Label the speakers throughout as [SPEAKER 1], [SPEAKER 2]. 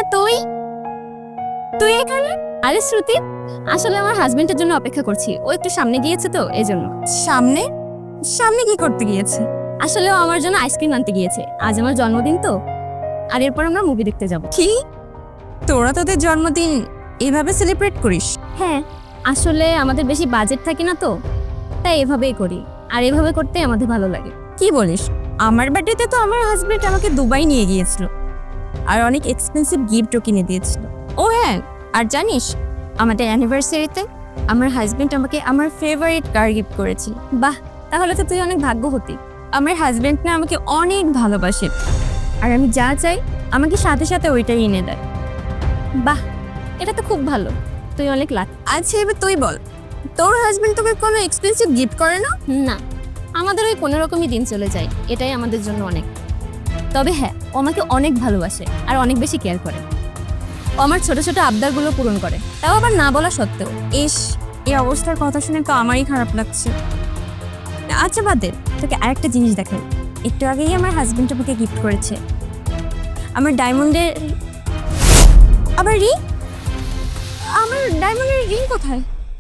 [SPEAKER 1] তুই তুই এখানে? আরে শ্রুতি, আসলে আমার হাজবেন্ডের জন্য অপেক্ষা করছি। ও একটু সামনে গিয়েছে তো এজন্য।
[SPEAKER 2] সামনে সামনে কি করতে গিয়েছে?
[SPEAKER 1] আসলে ও আমার জন্য আইসক্রিম আনতে গিয়েছে। আজ আমার জন্মদিন তো, আর এরপর আমরা মুভি দেখতে যাব।
[SPEAKER 2] কি তোরা তোদের জন্মদিন এভাবে সেলিব্রেট করিস?
[SPEAKER 1] হ্যাঁ, আসলে আমাদের বেশি বাজেট থাকে না তো, তাই এভাবেই করি। আর এভাবে করতে আমাদের ভালো লাগে।
[SPEAKER 2] কি বলিস? আমার বার্থডেতে তো আমার হাজবেন্ড আমাকে দুবাই নিয়ে গিয়েছিল আর অনেক এক্সপেন্সিভ গিফটও কিনে দিয়েছিল। ও হ্যাঁ, আর জানিস আমাদের অ্যানিভার্সারিতে আমার হাজবেন্ড আমাকে আমার ফেভারিট কার গিফট করেছিল।
[SPEAKER 1] বাহ, তাহলে তো তুই অনেক ভাগ্যবতী।
[SPEAKER 2] আমার হাজবেন্ড না আমাকে অনেক ভালোবাসে আর আমি যা চাই আমাকে সাথে সাথে ওইটাই এনে দেয়।
[SPEAKER 1] বাহ, এটা তো খুব ভালো। তুই অনেক লাক।
[SPEAKER 2] আচ্ছা এবার তুই বল, তোর হাজবেন্ড তোকে কোনো এক্সপেন্সিভ গিফট করে না?
[SPEAKER 1] না, আমাদের ওই কোনো রকমই দিন চলে যায়, এটাই আমাদের জন্য অনেক। তবে হ্যাঁ, ও আমাকে অনেক ভালোবাসে আর অনেক বেশি কেয়ার করে। ও আমার ছোট ছোট আবদারগুলো পূরণ করে, তাও আবার না বলা সত্ত্বেও।
[SPEAKER 2] ইস, এই অবস্থার কথা শুনে তো আমারই খারাপ লাগছে। আচ্ছা বাদ দে, তোকে আরেকটা জিনিস দেখাই। একটু আগেই আমার হাজবেন্ড আমাকে গিফট করেছে আমার ডায়মন্ডের আবার রিং। আমার ডায়মন্ডের রিং কোথায়?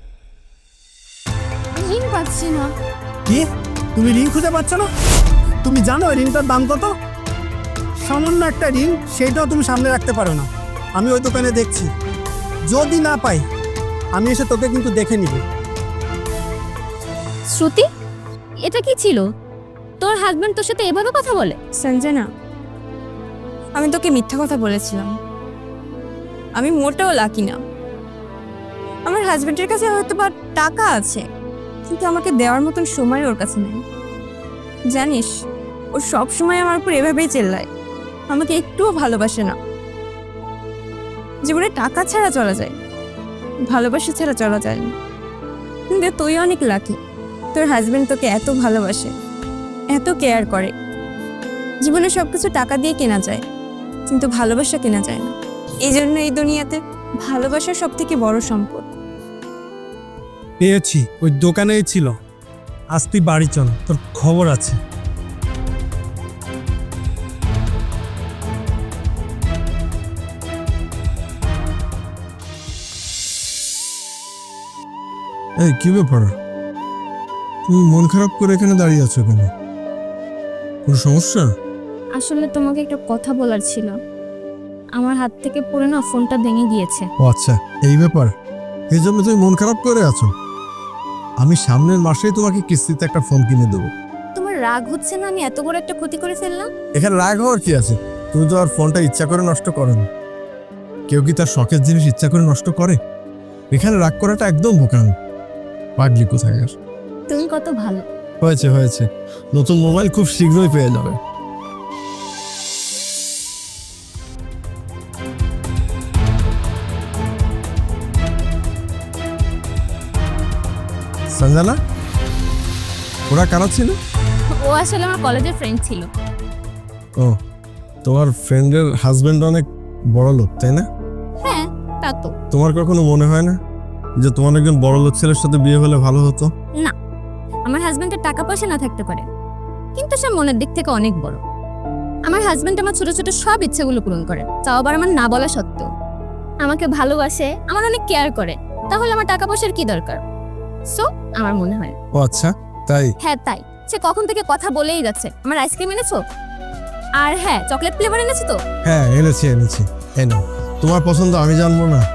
[SPEAKER 2] রিং পাচ্ছি না।
[SPEAKER 3] কি? তুমি রিং খুঁজে পাচ্ছ না? তুমি জানো এই রিংটার দাম কত? সামান্য একটা রিং, সেইটাও তুমি সামনে রাখতে পারো না। আমি ওই দোকানে দেখছি, যদি না পাই আমি এসে তোকে কিন্তু দেখে নিব।
[SPEAKER 1] শ্রুতি, এটা কি ছিল? তোর হাজবেন্ড তোর সাথে এভাবে কথা বলে?
[SPEAKER 2] সঞ্জনা, আমি তোকে মিথ্যা কথা বলেছিলাম। আমি মোটেও লাকি না। আমার হাজবেন্ডের কাছে হয়তো বা টাকা আছে, কিন্তু আমাকে দেওয়ার মতন সময় ওর কাছে নেই। জানিস, ও সব সময় আমার উপর এভাবেই চেল্লায়, আমাকে একটুও ভালোবাসে না। জীবনে টাকা ছাড়া চলা যায়, ভালোবাসা ছাড়া চলা যায় না। কিন্তু তুই অনেক লাকি, তোর হাজবেন্ড তোকে এত ভালোবাসে, এত কেয়ার করে। জীবনে সবকিছু টাকা দিয়ে কেনা যায়, কিন্তু ভালোবাসা কেনা যায় না। এই জন্য এই দুনিয়াতে ভালোবাসা সব থেকে বড় সম্পদ।
[SPEAKER 3] পেয়েছি, ওই দোকানেই ছিল। আজ তুই বাড়ি চল, তোর খবর আছে।
[SPEAKER 4] এই কি ব্যাপার? তুমি মন খারাপ করে এখানে দাঁড়িয়ে আছো কেন? কোনো সমস্যা?
[SPEAKER 1] আসলে তোমাকে একটা কথা বলার ছিল। আমার হাত থেকে পড়ে না ফোনটা ভেঙে গিয়েছে।
[SPEAKER 4] ও আচ্ছা, এই ব্যাপার। এই জন্য তুমি মন খারাপ করে আছো? আমি সামনের মাসেই তোমাকে কিস্তিতে একটা ফোন কিনে দেবো।
[SPEAKER 1] তোমার রাগ হচ্ছে না আমি এত বড় একটা ক্ষতি করে ফেললাম?
[SPEAKER 4] এখানে রাগ হওয়ার কি আছে? তুমি তো আর ফোনটা ইচ্ছা করে নষ্ট করো না। কেউ কি তার শখের জিনিস ইচ্ছা করে নষ্ট করে? এখানে রাগ করাটা একদম বোকামি। পাগলি কোথাকার।
[SPEAKER 1] তুমি কত ভালো।
[SPEAKER 4] হয়েছে হয়েছে, নতুন মোবাইল খুব শীঘ্রই পেয়ে যাবে। সঞ্জনা, ওরা কারা ছিল?
[SPEAKER 1] ও আসলে আমার কলেজের ফ্রেন্ড ছিল।
[SPEAKER 4] ও, তোমার ফ্রেন্ডের হাজবেন্ড অনেক বড় লোক, তাই না?
[SPEAKER 1] হ্যাঁ, তা তো।
[SPEAKER 4] তোমার কখনো মনে হয় না যে তোমার একজন বড় লোক ছেলের সাথে বিয়ে হলে ভালো হতো?
[SPEAKER 1] না, আমার হাজবেন্ডের টাকা পয়সা না থাকতে পারে, কিন্তু সে মনের দিক থেকে অনেক বড়। আমার হাজবেন্ড আমার ছোট ছোট সব ইচ্ছেগুলো পূরণ করে, তাও আবার আমার না বলা সত্ত্বেও। আমাকে ভালোবাসে, আমার অনেক কেয়ার করে। তাহলে আমার টাকা পয়সার কি দরকার? সো আমার মনে হয়।
[SPEAKER 4] ও আচ্ছা, তাই?
[SPEAKER 1] হ্যাঁ তাই। সে কখন থেকে কথা বলেই যাচ্ছে। আমার আইসক্রিম এনেছো? আর হ্যাঁ, চকলেট ফ্লেভার এনেছো তো?
[SPEAKER 4] হ্যাঁ এনেছি এনেছি। এই নাও, তোমার পছন্দ আমি জানবো না?